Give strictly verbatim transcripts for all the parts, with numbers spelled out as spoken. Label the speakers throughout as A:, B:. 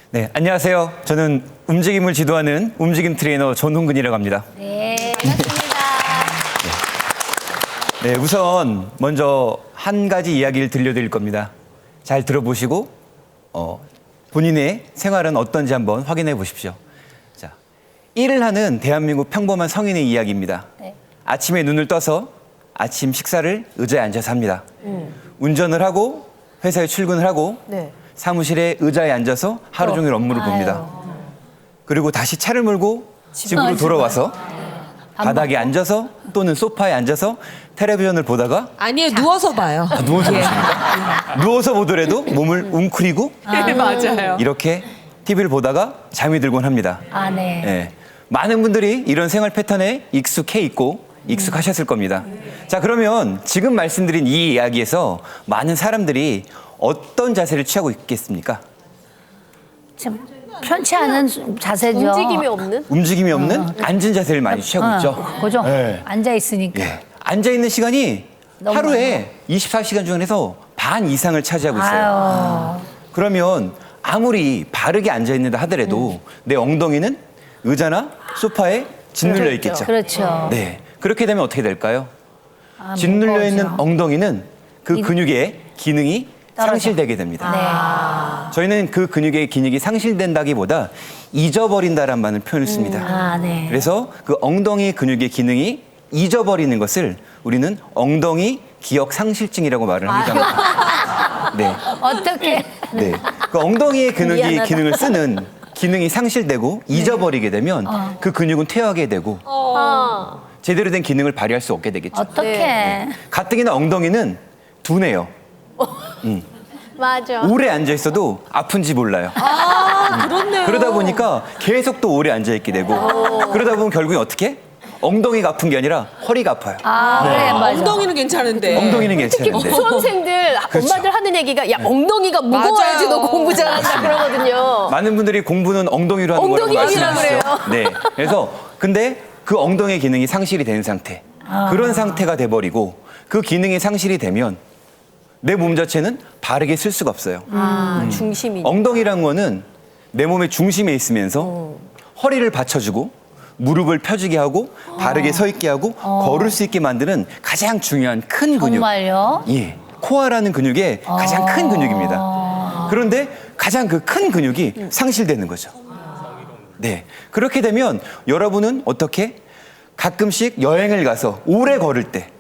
A: 네, 안녕하세요. 저는 움직임을 지도하는 움직임 트레이너 전홍근이라고 합니다.
B: 네, 반갑습니다.
A: 네, 우선 먼저 한 가지 이야기를 들려드릴 겁니다. 잘 들어보시고 어, 본인의 생활은 어떤지 한번 확인해 보십시오. 자, 일을 하는 대한민국 평범한 성인의 이야기입니다.
B: 네.
A: 아침에 눈을 떠서 아침 식사를 의자에 앉아서 합니다.
C: 음.
A: 운전을 하고 회사에 출근을 하고
C: 네.
A: 사무실에 의자에 앉아서 하루 종일 업무를 봅니다. 그리고 다시 차를 몰고 집으로 돌아와서 바닥에 앉아서 또는 소파에 앉아서 텔레비전을 보다가
C: 아니에요, 누워서 봐요.
A: 아, 누워서 보십니까? 누워서 보더라도 몸을 웅크리고
C: 네, 맞아요.
A: 이렇게 티비를 보다가 잠이 들곤 합니다.
B: 아, 네.
A: 예. 많은 분들이 이런 생활 패턴에 익숙해 있고 익숙하셨을 겁니다. 자, 그러면 지금 말씀드린 이 이야기에서 많은 사람들이 어떤 자세를 취하고 있겠습니까?
B: 참 편치 않은 자세죠.
C: 움직임이 없는?
A: 움직임이 없는 앉은 자세를 많이 취하고 있죠.
B: 어, 그죠?
A: 네.
B: 앉아 있으니까.
A: 예. 앉아 있는 시간이
B: 너무
A: 하루에 이십사 시간 중에서 반 이상을 차지하고 있어요.
B: 아유.
A: 그러면 아무리 바르게 앉아 있는다 하더라도 내 엉덩이는 의자나 소파에 짓눌려 있겠죠.
B: 그렇죠.
A: 네. 그렇게 되면 어떻게 될까요?
B: 아,
A: 짓눌려 있는
B: 무거워져.
A: 엉덩이는 그
B: 이-
A: 근육의 기능이
B: 떨어져.
A: 상실되게 됩니다.
B: 네.
A: 저희는 그 근육의 기능이 상실된다기보다 잊어버린다라는 말을 표현을 씁니다.
B: 아, 네.
A: 그래서 그 엉덩이 근육의 기능이 잊어버리는 것을 우리는 엉덩이 기억 상실증이라고 말을 합니다. 네.
B: 어떻게?
A: 네. 그 엉덩이의 근육이
C: 미안하다.
A: 기능을 쓰는 기능이 상실되고 잊어버리게 되면 그 근육은 퇴화하게 되고
C: 어.
A: 제대로 된 기능을 발휘할 수 없게 되겠죠.
B: 어떻게?
A: 가뜩이나 엉덩이는 둔해요.
C: 맞아.
A: 오래 앉아 있어도 아픈지 몰라요.
C: 아, 그렇네요.
A: 그러다 보니까 계속 또 오래 앉아 있게 되고 그러다 보면 결국에 어떻게? 엉덩이가 아픈 게 아니라 허리가 아파요.
B: 아, 그래, 맞아.
C: 엉덩이는 괜찮은데.
A: 엉덩이는
D: 특히
A: 괜찮은데.
D: 수험생들
A: 그렇죠.
D: 엄마들 하는 얘기가 야 엉덩이가 무거워야지
C: 맞아요.
D: 너 공부 잘한다 그러거든요.
A: 많은 분들이 공부는 엉덩이로 하는 거라고
D: 엉덩이 얘기라
A: 말씀하시죠. 네. 그래서 근데 그 엉덩이 기능이 상실이 된 상태. 그런 상태가 돼 버리고 그 기능이 상실이 되면 내 몸 자체는 바르게 쓸 수가 없어요.
D: 아, 중심이.
A: 엉덩이란 거는 내 몸의 중심에 있으면서 허리를 받쳐주고 무릎을 펴주게 하고 바르게 서 있게 하고 걸을 수 있게 만드는 가장 중요한 큰 근육.
B: 정말요?
A: 예. 코어라는 근육의 가장 큰 근육입니다. 그런데 가장 그 큰 근육이 상실되는 거죠. 네. 그렇게 되면 여러분은 어떻게 가끔씩 여행을 가서 오래 걸을 때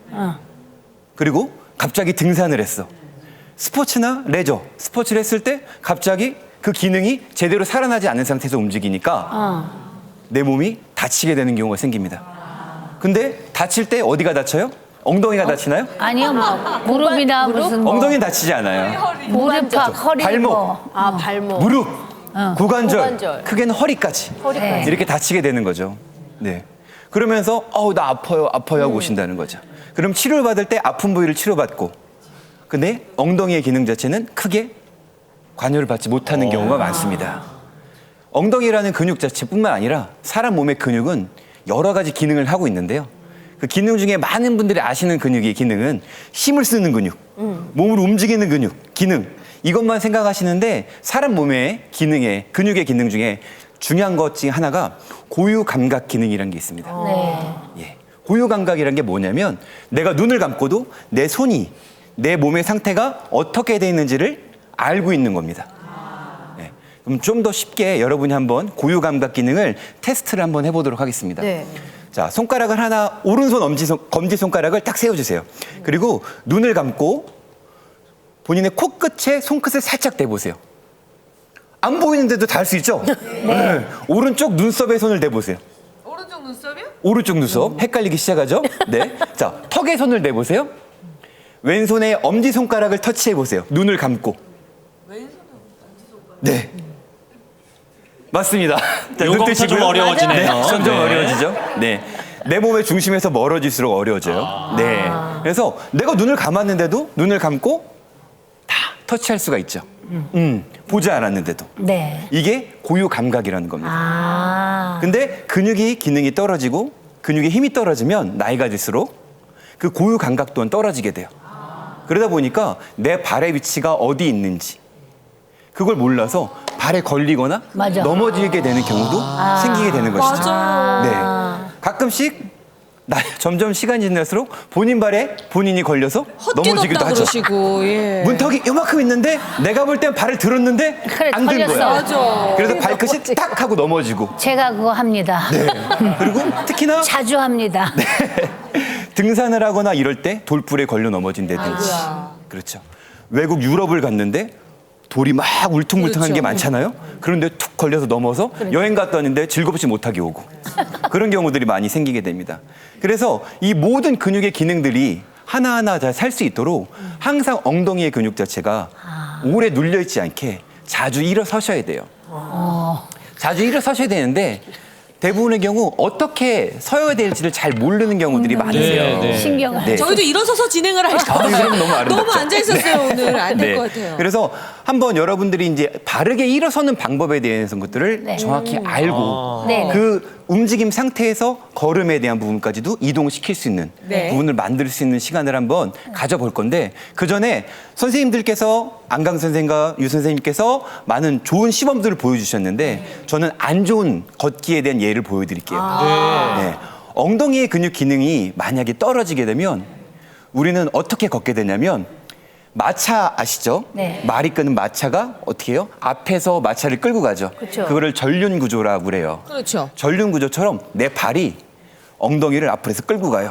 A: 그리고 갑자기 등산을 했어. 스포츠나 레저, 스포츠를 했을 때 갑자기 그 기능이 제대로 살아나지 않은 상태에서 움직이니까 내 몸이 다치게 되는 경우가 생깁니다. 근데 다칠 때 어디가 다쳐요? 엉덩이가 다치나요?
B: 아니요, 뭐 무릎이나 무슨 뭐
A: 엉덩이는 다치지 않아요.
B: 무릎, 허리,
A: 발목.
B: 뭐.
D: 아 발목.
A: 무릎, 고관절,
D: 고관절.
A: 크게는 허리까지
B: 네.
A: 이렇게 다치게 되는 거죠. 네. 그러면서 어우 나 아파요, 아파요 하고 오신다는 거죠. 그럼 치료를 받을 때 아픈 부위를 치료받고, 근데 엉덩이의 기능 자체는 크게 관여를 받지 못하는 경우가 많습니다. 엉덩이라는 근육 자체뿐만 아니라 사람 몸의 근육은 여러 가지 기능을 하고 있는데요. 그 기능 중에 많은 분들이 아시는 근육의 기능은 힘을 쓰는 근육, 몸을 움직이는 근육, 기능 이것만 생각하시는데 사람 몸의 기능의 근육의 기능 중에 중요한 것 중에 하나가 고유 감각 기능이라는 게 있습니다.
B: 네.
A: 예. 고유 감각이라는 게 뭐냐면 내가 눈을 감고도 내 손이 내 몸의 상태가 어떻게 돼 있는지를 알고 있는 겁니다. 예. 그럼 좀 더 쉽게 여러분이 한번 고유 감각 기능을 테스트를 한번 해보도록 하겠습니다.
D: 네.
A: 자, 손가락을 하나 오른손 엄지 손, 검지 손가락을 딱 세워주세요. 그리고 눈을 감고 본인의 코끝에 손끝을 살짝 대보세요. 안 보이는데도 다 할 수 있죠? 네. 오른쪽 눈썹에 손을 대보세요.
C: 오른쪽 눈썹이요?
A: 오른쪽 눈썹 헷갈리기 시작하죠? 네. 자, 턱에 손을 대보세요. 왼손에 엄지 손가락을 터치해 보세요. 눈을 감고. 왼손에 엄지 손가락. 네. 맞습니다. 자, 눈
E: 요거부터
A: 뜨시고요.
E: 좀 어려워지네요.
A: 네, 점점
E: 네.
A: 어려워지죠. 네. 내 몸의 중심에서 멀어질수록 어려워져요. 네. 그래서 내가 눈을 감았는데도 눈을 감고 다 터치할 수가 있죠. 음, 보지 않았는데도.
B: 네.
A: 이게 고유 감각이라는 겁니다.
B: 아.
A: 근데 근육이 기능이 떨어지고 근육의 힘이 떨어지면 나이가 들수록 그 고유 감각 또한 떨어지게 돼요. 그러다 보니까 내 발의 위치가 어디 있는지 그걸 몰라서 발에 걸리거나
B: 맞아.
A: 넘어지게 되는 경우도 생기게 되는 것이죠.
C: 맞아요.
A: 네. 가끔씩 나, 점점 시간이 지날수록 본인 발에 본인이 걸려서 넘어지기도
C: 헛기뒀다
A: 하죠.
C: 그러시고. 예.
A: 문턱이 요만큼 있는데 내가 볼 땐 발을 들었는데
B: 그래,
A: 안 든
B: 걸렸어.
A: 거야.
C: 맞아.
A: 그래서 발끝이 딱 하고 넘어지고.
B: 제가 그거 합니다.
A: 네. 그리고 특히나
B: 자주 합니다.
A: 등산을 하거나 이럴 때 돌불에 걸려 넘어진다든지.
C: 아이고야.
A: 그렇죠. 외국 유럽을 갔는데 돌이 막 울퉁불퉁한
C: 그렇죠.
A: 게 많잖아요. 그런데 툭 걸려서 넘어서 여행 갔다 왔는데 즐겁지 못하게 오고 그런 경우들이 많이 생기게 됩니다. 그래서 이 모든 근육의 기능들이 하나하나 잘 살 수 있도록 항상 엉덩이의 근육 자체가 오래 눌려 있지 않게 자주 일어서셔야 돼요. 자주 일어서셔야 되는데 대부분의 경우 어떻게 서야 될지를 잘 모르는 경우들이 많으세요.
E: 네, 네.
B: 신경을.
A: 네.
C: 저희도 일어서서 진행을 할까
A: 아,
C: 봐요.
A: 그럼 너무 아름답죠.
C: 너무 앉아 있었어요 오늘. 안 될
A: 네.
C: 것 같아요.
A: 그래서 한번 여러분들이 이제 바르게 일어서는 방법에 대해서 것들을
B: 네.
A: 정확히 알고
B: 네.
A: 그 움직임 상태에서 걸음에 대한 부분까지도 이동시킬 수 있는
C: 네.
A: 부분을 만들 수 있는 시간을 한번 가져볼 건데 그 전에 선생님들께서 안강 선생과 유 선생님께서 많은 좋은 시범들을 보여주셨는데 저는 안 좋은 걷기에 대한 예를 보여드릴게요. 네. 엉덩이의 근육 기능이 만약에 떨어지게 되면 우리는 어떻게 걷게 되냐면 마차 아시죠?
B: 네.
A: 말이 끄는 마차가 어떻게 해요? 앞에서 마차를 끌고 가죠.
B: 그쵸.
A: 그거를 전륜 구조라고 그래요.
C: 그렇죠.
A: 전륜 구조처럼 내 발이 엉덩이를 앞으로 해서 끌고 가요.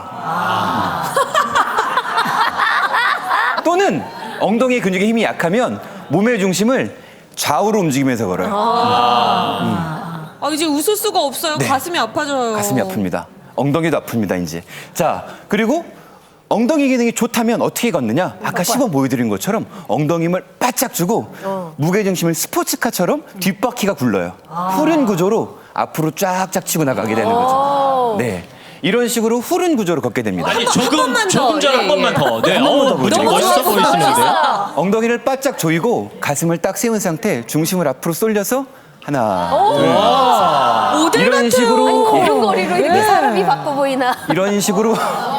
A: 또는 엉덩이 근육의 힘이 약하면 몸의 중심을 좌우로 움직이면서 걸어요.
C: 아 이제 웃을 수가 없어요.
A: 네.
C: 가슴이 아파져요.
A: 가슴이 아픕니다. 엉덩이도 아픕니다, 이제. 자, 그리고 엉덩이 기능이 좋다면 어떻게 걷느냐? 아까 시범 보여드린 것처럼 엉덩이 힘을 바짝 주고 무게중심을 스포츠카처럼 뒷바퀴가 굴러요. 후륜 구조로 앞으로 쫙쫙 치고 나가게 되는 거죠. 네. 이런 식으로 후륜 구조로 걷게 됩니다.
E: 아니
C: 한
E: 조금
C: 번만 더.
E: 조금 전 한
C: 예,
E: 번만
C: 예.
E: 더. 네.
A: 번만 더
E: 어,
A: 보여드릴게요.
E: 되게 멋있어
C: 너무
E: 보이시는데요.
A: 엉덩이를 바짝 조이고 가슴을 딱 세운 상태 중심을 앞으로 쏠려서 하나,
C: 모델
A: 이런
C: 같아요.
A: 식으로
D: 걸음걸이로 이렇게 사람이 바꿔 보이나.
A: 이런 식으로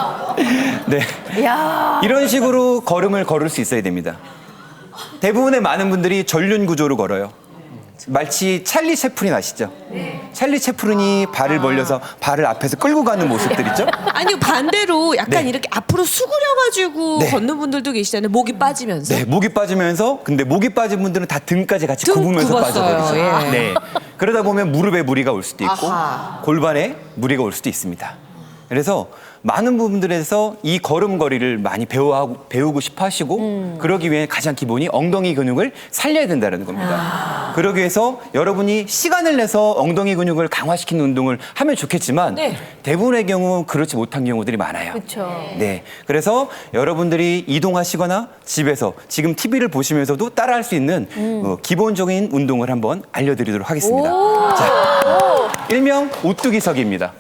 A: 네.
D: 야.
A: 이런 식으로 걸음을 걸을 수 있어야 됩니다. 대부분의 많은 분들이 전륜 구조로 걸어요. 마치 찰리 채플린 아시죠? 찰리 채플린이 발을 벌려서 발을 앞에서 끌고 가는 모습들 있죠?
C: 아니 반대로 약간
A: 네.
C: 이렇게 앞으로 수그려가지고
A: 네.
C: 걷는 분들도 계시잖아요. 목이 빠지면서.
A: 네, 목이 빠지면서 근데 목이 빠진 분들은 다 등까지 같이
C: 등
A: 굽으면서
C: 굽었어요.
A: 빠져버리죠.
C: 예.
A: 네. 그러다 보면 무릎에 무리가 올 수도 있고
C: 아하.
A: 골반에 무리가 올 수도 있습니다. 그래서 많은 부분들에서 이 걸음걸이를 많이 배워 배우고 싶어 하시고 그러기 위해 가장 기본이 엉덩이 근육을 살려야 된다는 겁니다. 그러기 위해서 여러분이 시간을 내서 엉덩이 근육을 강화시키는 운동을 하면 좋겠지만
C: 네.
A: 대부분의 경우 그렇지 못한 경우들이 많아요.
D: 그렇죠.
A: 네. 그래서 여러분들이 이동하시거나 집에서 지금 티비를 보시면서도 따라할 수 있는 어, 기본적인 운동을 한번 알려드리도록 하겠습니다. 자, 일명 오뚜기서기입니다.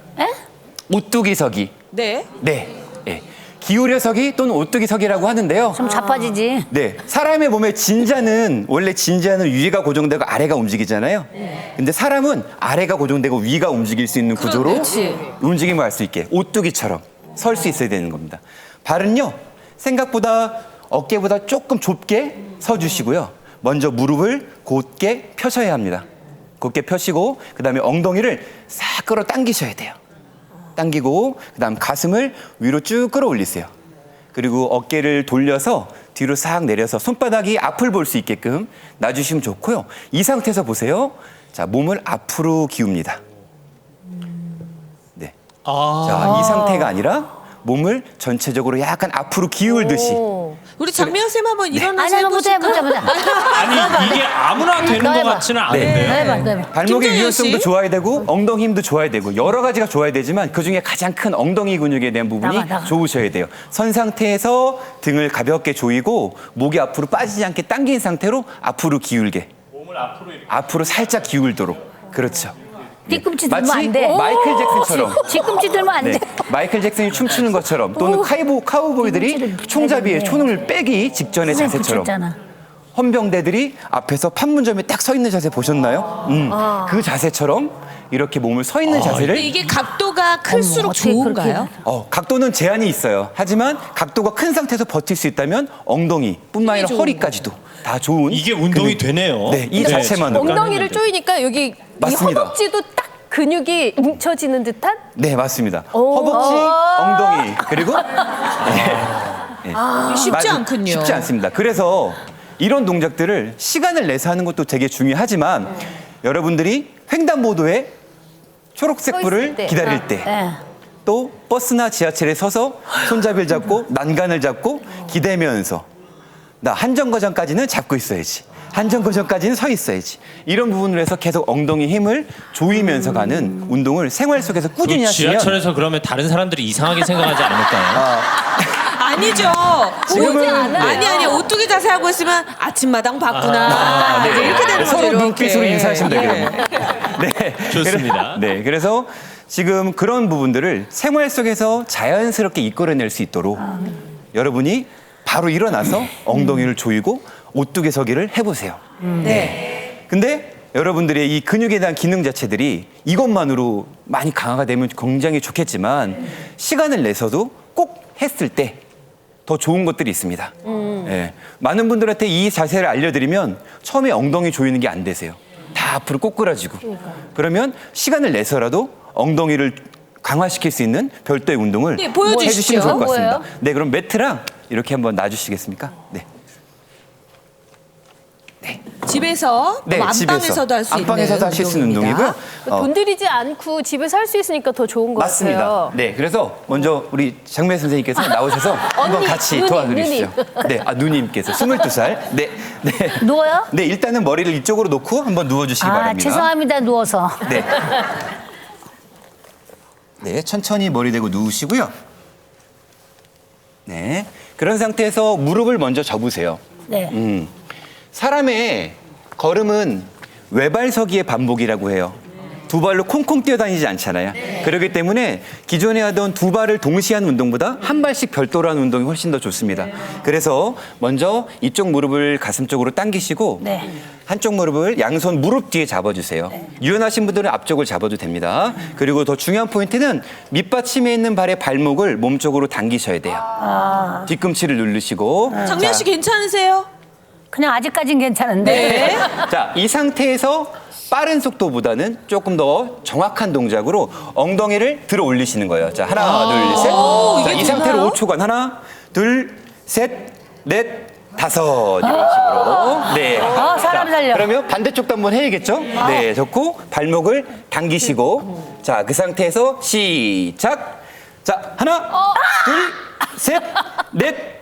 A: 오뚜기서기.
C: 네.
A: 네. 네. 기울여서기 또는 오뚜기서기라고 하는데요.
B: 좀 자빠지지.
A: 네. 사람의 몸의 진자는 원래 진자는 위가 고정되고 아래가 움직이잖아요. 근데 사람은 아래가 고정되고 위가 움직일 수 있는 구조로
C: 그렇지.
A: 움직임을 할 수 있게 오뚜기처럼 설 수 있어야 되는 겁니다. 발은요. 생각보다 어깨보다 조금 좁게 서 주시고요. 먼저 무릎을 곧게 펴셔야 합니다. 곧게 펴시고 그다음에 엉덩이를 싹 끌어 당기셔야 돼요. 당기고 그다음 가슴을 위로 쭉 끌어올리세요. 그리고 어깨를 돌려서 뒤로 싹 내려서 손바닥이 앞을 볼 수 있게끔 놔주시면 좋고요. 이 상태에서 보세요. 자, 몸을 앞으로 기웁니다. 네.
E: 아.
A: 자, 이 상태가 아니라 몸을 전체적으로 약간 앞으로 기울듯이.
C: 우리 장미영 쌤 한번
B: 아니,
C: 일어나서
B: 한번 보자,
C: 해보실까?
B: 보자, 보자.
E: 아니 이게 아무나 되는
B: 너
E: 것
B: 해봐.
E: 같지는
A: 네.
E: 않은데요.
B: 해봐, 너 해봐.
A: 발목의
C: 김정현
A: 유연성도
C: 씨?
A: 좋아야 되고 엉덩이 힘도 좋아야 되고 여러 가지가 좋아야 되지만 그중에 가장 큰 엉덩이 근육에 대한 부분이
B: 나가, 나가.
A: 좋으셔야 돼요. 선 상태에서 등을 가볍게 조이고 목이 앞으로 빠지지 않게 당긴 상태로 앞으로 기울게.
E: 몸을 앞으로 이렇게.
A: 앞으로 살짝 기울도록. 그렇죠.
B: 뒤꿈치 들면
A: 마치
B: 안 돼.
A: 마이클 잭슨처럼.
B: 뒤꿈치 들면 안
A: 네.
B: 돼.
A: 마이클 잭슨이 춤추는 것처럼 또는 카이보, 카우보이들이
B: 뒤꿈치를
A: 총잡이에
B: 빼야
A: 손을 빼기 직전의
B: 선생님
A: 자세처럼
B: 붙였잖아.
A: 헌병대들이 앞에서 판문점에 딱 서 있는 자세 보셨나요? 음, 그 자세처럼 이렇게 몸을 서 있는
C: 근데
A: 자세를
C: 이게 각도가 클수록
B: 어떻게
C: 좋은가요?
B: 그렇게
A: 어, 각도는 제한이 있어요. 하지만 각도가 큰 상태에서 버틸 수 있다면 엉덩이뿐만 아니라
C: 좋은
A: 허리까지도 다 좋은
E: 이게 운동이
A: 근육.
E: 되네요.
A: 네, 이 자체만으로.
D: 엉덩이를 조이니까 여기
A: 맞습니다.
D: 이 허벅지도 딱 근육이 뭉쳐지는 듯한?
A: 네, 맞습니다.
D: 오.
A: 허벅지, 엉덩이 그리고
C: 쉽지
A: 맞아-
C: 않군요.
A: 쉽지 않습니다. 그래서 이런 동작들을 시간을 내서 하는 것도 되게 중요하지만 여러분들이 횡단보도에 초록색
D: 서
A: 불을
D: 있을 때.
A: 기다릴 때
B: 네.
A: 또 버스나 지하철에 서서 손잡이를 잡고 난간을 잡고 기대면서 나 한정거장까지는 잡고 있어야지. 한정거장까지는 서 있어야지. 이런 부분을 해서 계속 엉덩이 힘을 조이면서 가는 운동을 생활 속에서 꾸준히
E: 그
A: 하시면
E: 지하철에서 그러면 다른 사람들이 이상하게 생각하지 않을까요?
C: 아니죠.
A: 지금은
C: 오지
A: 네.
C: 아니 아니 오뚜기 자세 하고 있으면 아침마당 봤구나.
A: 아, 네.
C: 이제 이렇게 되는 거죠.
A: 서로
C: 이렇게.
A: 눈빛으로 인사하시면
C: 예.
A: 되거든요. 네.
E: 좋습니다.
A: 그래- 네. 그래서 지금 그런 부분들을 생활 속에서 자연스럽게 이끌어낼 수 있도록 여러분이 바로 일어나서 엉덩이를 조이고 오뚜기 서기를 해보세요.
C: 네.
A: 근데 여러분들의 이 근육에 대한 기능 자체들이 이것만으로 많이 강화가 되면 굉장히 좋겠지만 시간을 내서도 꼭 했을 때 더 좋은 것들이 있습니다. 예. 많은 분들한테 이 자세를 알려드리면 처음에 엉덩이 조이는 게 안 되세요. 다 앞으로 꼬꾸라지고. 그러면 시간을 내서라도 엉덩이를 강화시킬 수 있는 별도의 운동을
C: 네, 보여주시죠.
A: 해주시면 좋을 것 같습니다.
D: 뭐예요?
A: 네, 그럼 매트랑 이렇게 한번 놔주시겠습니까? 네.
C: 집에서
A: 네,
C: 뭐 안방에서도 할 수 있는
A: 안방에서도 하실 수 있는
C: 운동입니다.
A: 운동이고요. 어,
D: 돈 들이지 않고 집에서 할 수 있으니까 더 좋은 것
A: 맞습니다.
D: 같아요.
A: 네, 그래서 먼저 우리 장매 선생님께서 나오셔서 한번
D: 언니,
A: 같이
D: 누님,
A: 도와드리시죠. 네, 아 누님께서 스물두 살. 네, 네.
B: 누워요?
A: 네, 일단은 머리를 이쪽으로 놓고 한번 누워주시기
B: 아,
A: 바랍니다.
B: 죄송합니다. 누워서.
A: 네. 네, 천천히 머리 대고 누우시고요. 네, 그런 상태에서 무릎을 먼저 접으세요.
B: 네.
A: 음, 사람의 걸음은 외발서기의 반복이라고 해요. 두 발로 콩콩 뛰어다니지 않잖아요. 그렇기 때문에 기존에 하던 두 발을 동시에 하는 운동보다 한 발씩 별도로 하는 운동이 훨씬 더 좋습니다. 그래서 먼저 이쪽 무릎을 가슴 쪽으로 당기시고
B: 네.
A: 한쪽 무릎을 양손 무릎 뒤에 잡아주세요. 유연하신 분들은 앞쪽을 잡아도 됩니다. 그리고 더 중요한 포인트는 밑받침에 있는 발의 발목을 몸쪽으로 당기셔야 돼요. 뒤꿈치를 누르시고
C: 장미연 씨 괜찮으세요?
B: 그냥 아직까진 괜찮은데.
C: 네.
A: 자, 이 상태에서 빠른 속도보다는 조금 더 정확한 동작으로 엉덩이를 들어 올리시는 거예요. 자, 하나, 둘, 셋.
C: 오,
A: 자,
C: 이게
A: 이 상태로
C: 되나요?
A: 오 초간 하나, 둘, 셋, 넷, 다섯 이런 식으로. 네.
B: 아, 사람
A: 자,
B: 살려.
A: 그러면 반대쪽도 한번 해야겠죠? 네, 접고 발목을 당기시고 자, 그 상태에서 시작. 자, 하나, 둘, 셋, 넷,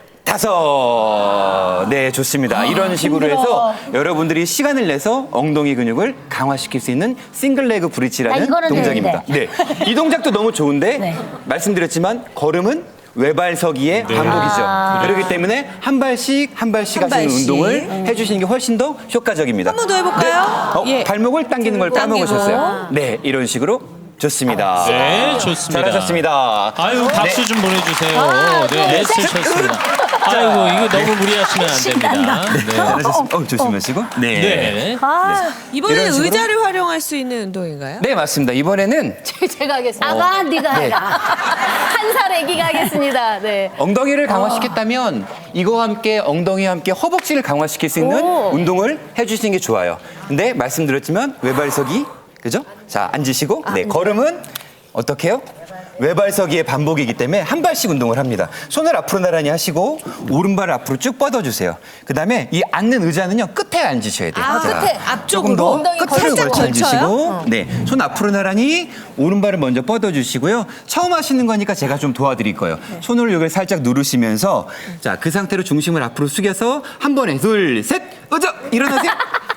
A: 다섯. 네, 좋습니다. 이런 식으로 해서 여러분들이 시간을 내서 엉덩이 근육을 강화시킬 수 있는 싱글 레그
B: 아,
A: 브릿지라는
B: 이거는
A: 동작입니다. 네. 이 동작도 너무 좋은데
B: 네.
A: 말씀드렸지만 걸음은 외발서기의 반복이죠. 그렇기 때문에 한 발씩 한 발씩
C: 한
A: 하시는
C: 발씩.
A: 운동을 해주시는 게 훨씬 더 효과적입니다.
C: 한 번 더 해볼까요?
A: 네. 어,
C: 예.
A: 발목을 당기는 걸
C: 당기고.
A: 까먹으셨어요. 네, 이런 식으로 좋습니다.
E: 네, 좋습니다.
A: 잘하셨습니다.
E: 아유, 박수
A: 네.
E: 좀 보내주세요.
B: 아,
E: 네, 네, 쳤습니다. 아이고, 이거 너무 무리하시면 안 됩니다. 네.
A: 잘하셨습니다. 어, 조심하시고. 네.
E: 네.
B: 아,
C: 이번에는
A: 이런 식으로?
C: 의자를 활용할 수 있는 운동인가요?
A: 네, 맞습니다. 이번에는
D: 제가 하겠습니다.
B: 아가, 네가 해라.
D: 한 살 아기가 하겠습니다. 네.
A: 엉덩이를 강화시켰다면 이거와 함께 엉덩이와 함께 허벅지를 강화시킬 수 있는
D: 오.
A: 운동을 해주시는 게 좋아요. 근데 말씀드렸지만 외발서기, 그죠? 자, 앉으시고, 네, 걸음은 어떻게 해요? 외발서기의 반복이기 때문에 한 발씩 운동을 합니다. 손을 앞으로 나란히 하시고 오른발을 앞으로 쭉 뻗어주세요. 그 다음에 이 앉는 의자는요 끝에 앉으셔야 돼요.
C: 아,
A: 자,
C: 끝에, 앞쪽으로?
A: 조금 더
C: 엉덩이
A: 끝으로
C: 살짝
A: 걸쳐
C: 걸쳐요?
A: 앉으시고, 네, 손 앞으로 나란히 오른발을 먼저 뻗어주시고요. 처음 하시는 거니까 제가 좀 도와드릴 거예요. 손으로 여기를 살짝 누르시면서 자, 그 상태로 중심을 앞으로 숙여서 한 번에 둘, 셋, 어저 일어나세요.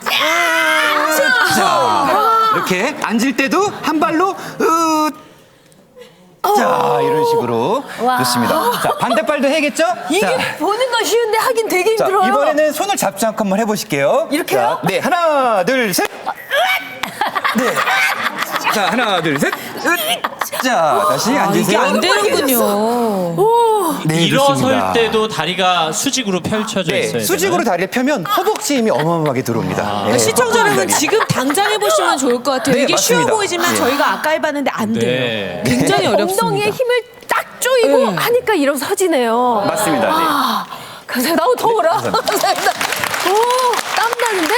A: 자, 이렇게 앉을 때도 한 발로 으. 자, 이런 식으로 좋습니다. 자, 반대발도 해야겠죠?
D: 이게
A: 자,
D: 보는 건 쉬운데 하긴 되게
A: 자,
D: 힘들어요.
A: 이번에는 손을 잡지 않고 한번 해보실게요.
D: 이렇게요?
A: 자, 네, 하나, 둘, 셋. 네. 자, 하나, 둘, 셋. 으. 자, 다시
C: 아, 이게
A: 앉으세요.
C: 안 되는군요.
A: 네,
E: 일어설
A: 좋습니다.
E: 때도 다리가 수직으로 펼쳐져
A: 네,
E: 있어야
A: 수직으로
E: 되나요?
A: 다리를 펴면 허벅지 힘이 어마어마하게 들어옵니다. 네,
C: 그러니까 시청자 여러분
A: 허벅지
C: 지금 당장 해보시면 좋을 것 같아요.
A: 네,
C: 이게 쉬워
A: 맞습니다.
C: 보이지만
A: 네.
C: 저희가 아까 해봤는데 안 돼요.
E: 네.
C: 굉장히 어렵습니다.
D: 엉덩이에 힘을 딱 조이고
C: 네.
D: 하니까 일어서지네요.
A: 맞습니다. 네.
D: 감사합니다. 나도 더워라. 감사합니다. 오, 땀 나는데.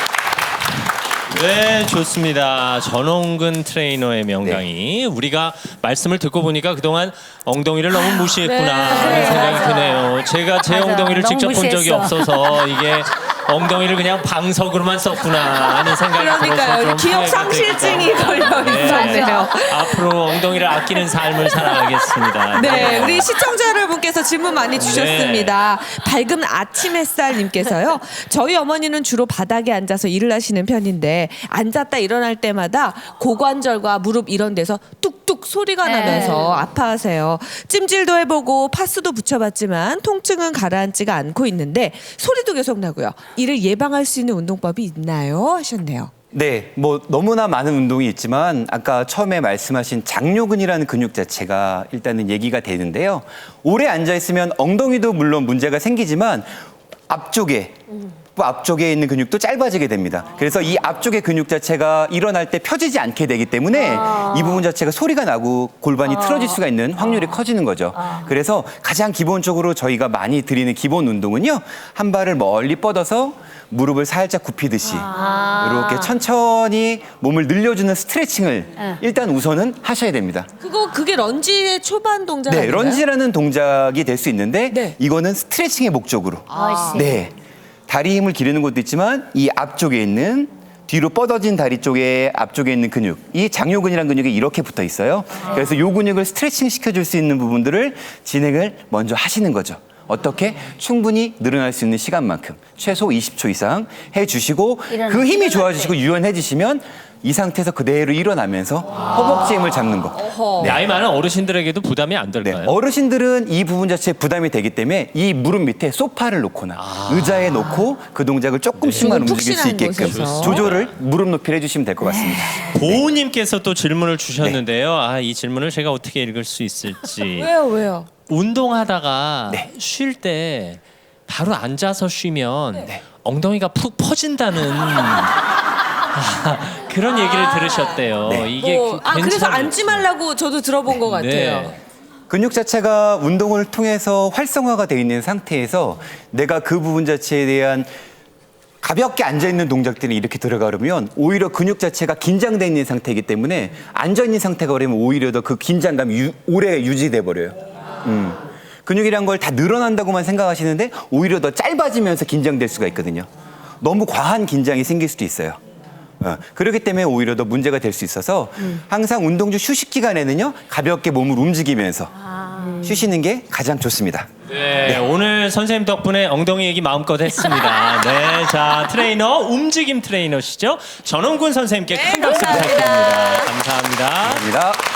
E: 네, 좋습니다. 전홍근 트레이너의 명강의. 우리가 말씀을 듣고 보니까 그동안 엉덩이를 너무 무시했구나 하는
B: 그래,
E: 생각이
B: 맞아.
E: 드네요. 제가 제
B: 맞아.
E: 엉덩이를
B: 너무
E: 직접 본 적이
B: 무시했어.
E: 없어서 이게 엉덩이를 그냥 방석으로만 썼구나 하는 생각이 들어서
C: 그러니까요.
E: 좀
C: 기억
E: 후회가
C: 상실증이
E: 되기도
C: 걸려
E: 하고.
C: 있었네요.
E: 앞으로 엉덩이를 아끼는 삶을 살아가겠습니다.
C: 네, 우리 시청자 여러분께서 질문 많이 주셨습니다. 밝은 아침 햇살님께서요. 저희 어머니는 주로 바닥에 앉아서 일을 하시는 편인데 앉았다 일어날 때마다 고관절과 무릎 이런 데서 뚝뚝 소리가 나면서 아파하세요. 찜질도 해보고 파스도 붙여봤지만 통증은 가라앉지가 않고 있는데 소리도 계속 나고요. 이를 예방할 수 있는 운동법이 있나요? 하셨네요.
A: 네, 뭐 너무나 많은 운동이 있지만 아까 처음에 말씀하신 장요근이라는 근육 자체가 일단은 얘기가 되는데요. 오래 앉아 있으면 엉덩이도 물론 문제가 생기지만 앞쪽에 또 앞쪽에 있는 근육도 짧아지게 됩니다. 그래서 이 앞쪽의 근육 자체가 일어날 때 펴지지 않게 되기 때문에 이 부분 자체가 소리가 나고 골반이 틀어질 수가 있는 확률이 커지는 거죠. 그래서 가장 기본적으로 저희가 많이 드리는 기본 운동은요. 한 발을 멀리 뻗어서 무릎을 살짝 굽히듯이 이렇게 천천히 몸을 늘려주는 스트레칭을 일단 우선은 하셔야 됩니다.
C: 그거 그게 런지의 초반 동작
A: 네,
C: 아닌가요?
A: 런지라는 동작이 될 수 있는데
C: 네.
A: 이거는 스트레칭의 목적으로.
B: 아,
A: 네. 다리 힘을 기르는 것도 있지만 이 앞쪽에 있는 뒤로 뻗어진 다리 쪽에 앞쪽에 있는 근육, 이 장요근이라는 근육이 이렇게 붙어 있어요. 그래서 이 근육을 스트레칭 시켜줄 수 있는 부분들을 진행을 먼저 하시는 거죠. 어떻게? 충분히 늘어날 수 있는 시간만큼 최소 이십 초 이상 해주시고
B: 일어나-
A: 그 힘이 좋아지시고 유연해지시면 이 상태에서 그대로 일어나면서 허벅지 힘을 잡는 거.
E: 나이 많은 어르신들에게도 부담이 안
A: 네,
E: 될까요?
A: 어르신들은 이 부분 자체에 부담이 되기 때문에 이 무릎 밑에 소파를 놓거나 의자에 놓고 그 동작을 조금씩만
C: 조금
A: 움직일 수
C: 푹신한
A: 있게끔
C: 곳에서.
A: 조절을 무릎 높이를 해주시면 될 것 같습니다.
E: 보우님께서 또 질문을 주셨는데요. 아, 이 질문을 제가 어떻게 읽을 수 있을지.
C: 왜요, 왜요?
E: 운동하다가
A: 네.
E: 쉴 때 바로 앉아서 쉬면 엉덩이가 푹 퍼진다는 아, 그런 얘기를 들으셨대요. 이게
C: 뭐, 아 그래서
E: 괜찮을지.
C: 앉지 말라고 저도 들어본 것 같아요.
E: 네.
A: 근육 자체가 운동을 통해서 활성화가 되어 있는 상태에서 내가 그 부분 자체에 대한 가볍게 앉아있는 동작들이 이렇게 들어가려면 오히려 근육 자체가 긴장되어 있는 상태이기 때문에 앉아있는 상태가 그러면 오히려 더 그 긴장감이 유- 오래 유지돼 버려요. 음. 근육이란 걸 다 늘어난다고만 생각하시는데 오히려 더 짧아지면서 긴장될 수가 있거든요. 너무 과한 긴장이 생길 수도 있어요. 어, 그렇기 때문에 오히려 더 문제가 될 수 있어서 항상 운동 중 휴식 기간에는요 가볍게 몸을 움직이면서 쉬시는 게 가장 좋습니다.
E: 네, 오늘 선생님 덕분에 엉덩이 얘기 마음껏 했습니다. 네, 자 트레이너 움직임 트레이너시죠? 전홍근 선생님께 큰 박수 부탁드립니다. 감사합니다.
A: 감사합니다.